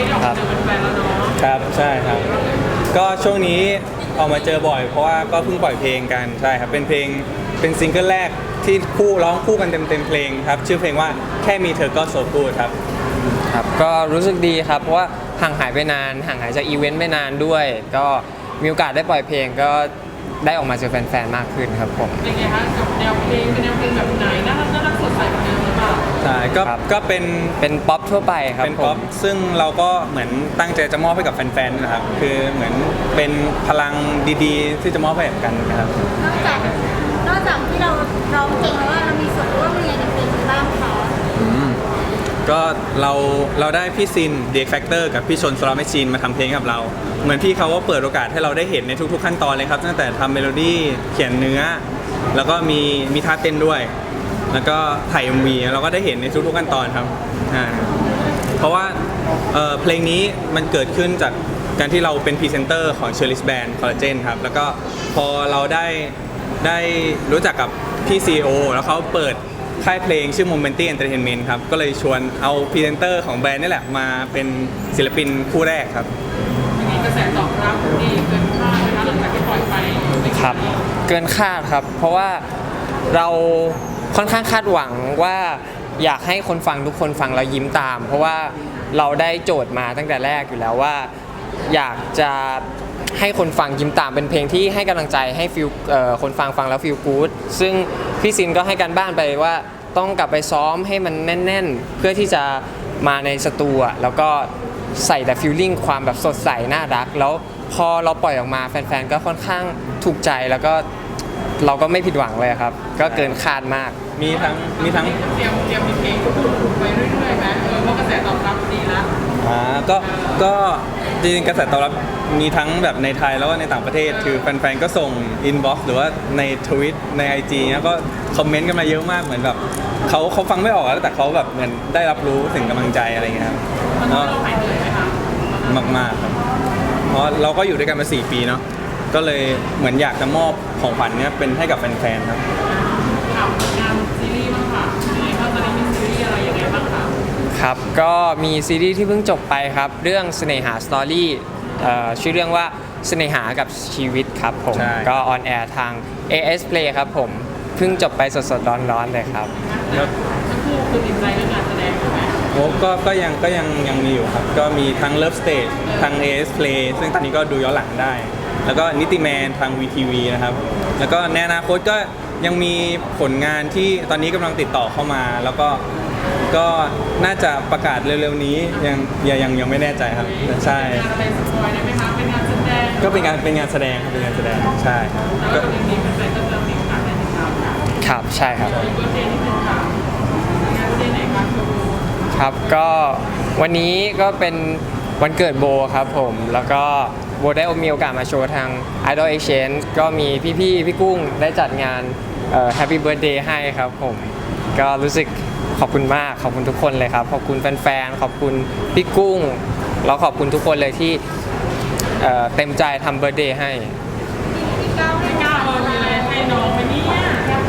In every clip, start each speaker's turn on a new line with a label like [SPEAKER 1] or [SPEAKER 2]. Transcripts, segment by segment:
[SPEAKER 1] ได้ออกมาเจอแฟนๆแล้วเนาะ
[SPEAKER 2] ครับใช่ครับก็ช่วงนี้ออกมาเจอบ่อยเพราะว่าก็เพิ่งปล่อยเพลงกันใช่ครับเป็นเพลงเป็นซิงเกิลแรกที่ร้องคู่กันเต็มเพลงครับชื่อเพลงว่าแค่มีเธอก็โซกูดครับ
[SPEAKER 3] ครับก็รู้สึกดีครับเพราะว่าห่างหายไปนานห่างหายจากอีเวนต์ไปนานด้วยก็มีโอกาสได้ปล่อยเพลงก็ได้ออกมาเจอแฟนๆมากขึ้นครับผม
[SPEAKER 1] เป็นไงคะกับแนวเพลงเป็นแนวเพลงแบบไหนน่ารักสดใสแบบนี้หรือเปล่า
[SPEAKER 2] ใช่ก็เป็น
[SPEAKER 3] ป๊อปทั่วไปครับ
[SPEAKER 2] เป็นป๊อปซึ่งเราก็เหมือนตั้งใจจะมอบให้กับแฟนๆนะครับคือเหมือนเป็นพลังดีๆที่จะมอบให้กันนะครับ
[SPEAKER 4] นอกจากที่เราร้องเพลงแล้วว่าเรามีส่วนร่วมยังไงในเพลงบ้างคะ
[SPEAKER 2] ก็เราได้พี่ซิน The X Factor กับพี่ชนสโลว์แมชชีนมาทำเพลงกับเราเหมือนพี่เขาก็เปิดโอกาสให้เราได้เห็นในทุกๆขั้นตอนเลยครับตั้งแต่ทำเมโลดี้เขียนเนื้อแล้วก็มีท่าเต้นด้วยแล้วก็ถ่าย MV เราก็ได้เห็นในทุกๆขั้นตอนครับเพราะว่าเพลงนี้มันเกิดขึ้นจากการที่เราเป็นพรีเซนเตอร์ของ Cheryl's Band Collagen ครับแล้วก็พอเราได้รู้จักกับพี่ CEO แล้วเขาเปิดค่ายเพลงชื่อ Momenti Entertainment ครับก็เลยชวนเอาพรีเซนเตอร์ของแบรนด์นี่แหละมาเป็นศิลปินคู่แรกครับ
[SPEAKER 1] มีกระแสตอบรับดีเกินคาดนะคะหลังจากที่ปล่อยไป
[SPEAKER 3] ครับเกินคาดครับเพราะว่าเราค่อนข้างคาดหวังว่าอยากให้คนฟังทุกคนฟังแล้วยิ้มตามเพราะว่าเราได้โจทย์มาตั้งแต่แรกอยู่แล้วว่าอยากจะให้คนฟังยิ้มตามเป็นเพลงที่ให้กำลังใจให้ฟีลคนฟังแล้วฟีลกู๊ดซึ่งพี่ซินก็ให้การบ้านไปว่าต้องกลับไปซ้อมให้มันแน่นๆเพื่อที่จะมาในสตูแล้วก็ใส่แต่ฟีลลิ่งความแบบสดใสน่ารักแล้วพอเราปล่อยออกมาแฟนๆก็ค่อนข้างถูกใจแล้วก็เราก็ไม่ผิดหวังเลยครับก็เกินคาดมาก
[SPEAKER 2] มีทั้ง
[SPEAKER 1] เตรียมมีเพลงถูกไปเรื่อยๆไหมเพราะกระแสตอบรับดีแล้ว
[SPEAKER 2] ก็จริงๆกระแสตอบรับมีทั้งแบบในไทยแล้วก็ในต่างประเทศคือแฟนๆก็ส่งอินบ็อกซ์หรือว่าในทวิตใน IG แล้วก็คอมเมนต์กันมาเยอะมากเหมือนแบบเขาฟังไม่ออกแล้วแต่เขาแบบเหมือนได้รับรู้ถึงกำลังใจอะไรเงี้ยครับ
[SPEAKER 1] เราหายเหนื่อยไหมคะ
[SPEAKER 2] มากๆครับเพราะเราก็อยู่ด้วยกันมา4 ปีเนาะก็เลยเหมือนอยากจะมอบของขวัญเนี้ยเป็นให้กับแฟนๆครับ
[SPEAKER 1] งานซีรีส์บ้างค่ะมีตอนนี้มีซีรีส์อะไรยังไงบ้างคะ
[SPEAKER 3] ครับก็มีซีรีส์ที่เพิ่งจบไปครับเรื่องเสน่หาสตอรี่ชื่อเรื่องว่าเสน่หากับชีวิตครับผมก็ออนแอร์ทาง AS Play ครับผมเพิ่งจบไปสดๆร้อนๆเลยครับ
[SPEAKER 1] ทั้งคู่คือติดใจเรื่องงานแสดงถูกไหม
[SPEAKER 2] โอ้ก็ยังมีอยู่ครับก็มีทั้ง Love Stage ทาง AS Play ซึ่งตอนนี้ก็ดูย้อนหลังได้แล้วก็นิติแมนทาง VTV นะครับแล้วก็ในอนาคตก็ยังมีผลงานที่ตอนนี้กำลังติดต่อเข้ามาแล้วก็น่าจะประกาศเร็วๆนี้ยังไม่แน่ใจครับใช่
[SPEAKER 1] เป็นสปอยได้ไหมคะเป็นงานแสดง
[SPEAKER 2] ก็เป็นงานแสดงครับเป็นงานแสดงใช่
[SPEAKER 1] ก็เรื่องนี้เป็นเรื่องนี้ค่ะในติดตาม
[SPEAKER 3] ครับใช่ครับ
[SPEAKER 1] มีเบอร์เดย์ที่เป็นค่ะงานเบอร์เดย์ไหนคะ
[SPEAKER 3] ครับก็วันนี้ก็เป็นวันเกิดโบครับผมแล้วก็โบได้มีโอกาสมาโชว์ทาง Idol Exchange ก็มีพี่กุ้งได้จัดงานHappy Birthday ให้ครับผมก็รู้สึกขอบคุณมากขอบคุณทุกคนเลยครับขอบคุณแฟนๆขอบคุณพี่กุ้งแล้วขอบคุณทุกคนเลยที่เต็มใจทำเบิร์ธเดย์ให้
[SPEAKER 1] พี่ก้าวมีอะไรให้น้องไหมเนี่ย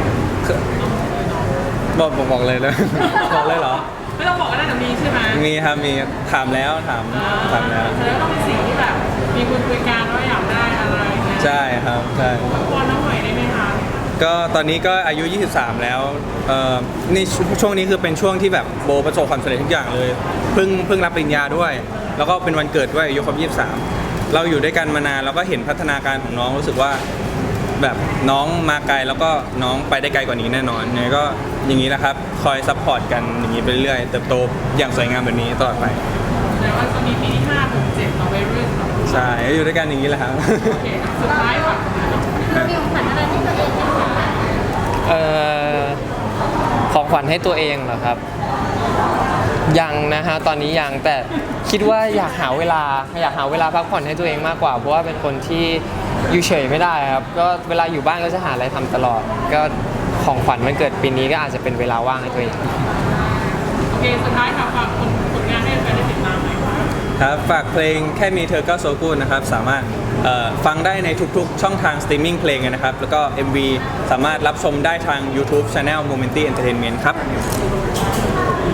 [SPEAKER 2] บอกเลยนะบอกเลยเหรอ
[SPEAKER 1] ไม่ต้องบอกก็ได้แต่มีใช่ไหม
[SPEAKER 2] มีครับมีถามแล้ว
[SPEAKER 1] แสดงว่าต้องเป็นสิ่งที่แบบมีคุยกันว่าอยากได้อะไร
[SPEAKER 2] ใช่ครับใช่
[SPEAKER 1] พอน้องหน่อยได้ไหมคะ
[SPEAKER 2] ก็ตอนนี้ก็อายุ23แล้วนี่ช่วงนี้คือเป็นช่วงที่แบบโบประสบความสำเร็จทุกอย่างเลยเพิ่งรับปริญญาด้วยแล้วก็เป็นวันเกิดด้วยอายุครบ23เราอยู่ด้วยกันมานานแล้วก็เห็นพัฒนาการของน้องรู้สึกว่าแบบน้องมาไกลแล้วก็น้องไปได้ไกลกว่านี้แน่นอนเนี่ยก็อย่างนี้แหละครับคอยซัพพอร์ตกันอย่างนี้ไปเรื่อยเติบโตอย่างสวยงามแบบนี้ตลอดไป
[SPEAKER 1] แต่ว่าตอนนี้ปีที่5 ถึง 7เราไปเรื่อย
[SPEAKER 2] ใช่อยู่ด้วยกันอย่างนี้แหละครับ
[SPEAKER 1] โอเคสุดท้ายค่ะ
[SPEAKER 4] เรามีของขวัญอะไรที่ตัวเองจะ
[SPEAKER 3] ของขวัญให้ตัวเองเหรอครับยังนะฮะตอนนี้ยังแต่คิดว่าอยากหาเวลาพักผ่อนให้ตัวเองมากกว่าเพราะว่าเป็นคนที่อยู่เฉยไม่ได้ครับก็เวลาอยู่บ้านก็จะหาอะไรทำตลอดก็ของขวัญวันเกิดปีนี้ก็อาจจะเป็นเวลาว่างให้ตัวเอง
[SPEAKER 1] โอเคสุดท้ายค่ะฝากผลงานให้แฟนได้ติดตามหน่อย
[SPEAKER 2] ครับฝากเพลงแค่มีเธอก็โซกูนะครับสามารถฟังได้ในทุกๆช่องทางสตรีมมิ่งเพลงนะครับแล้วก็ MV สามารถรับชมได้ทาง YouTube Channel Momenti Entertainment ครับ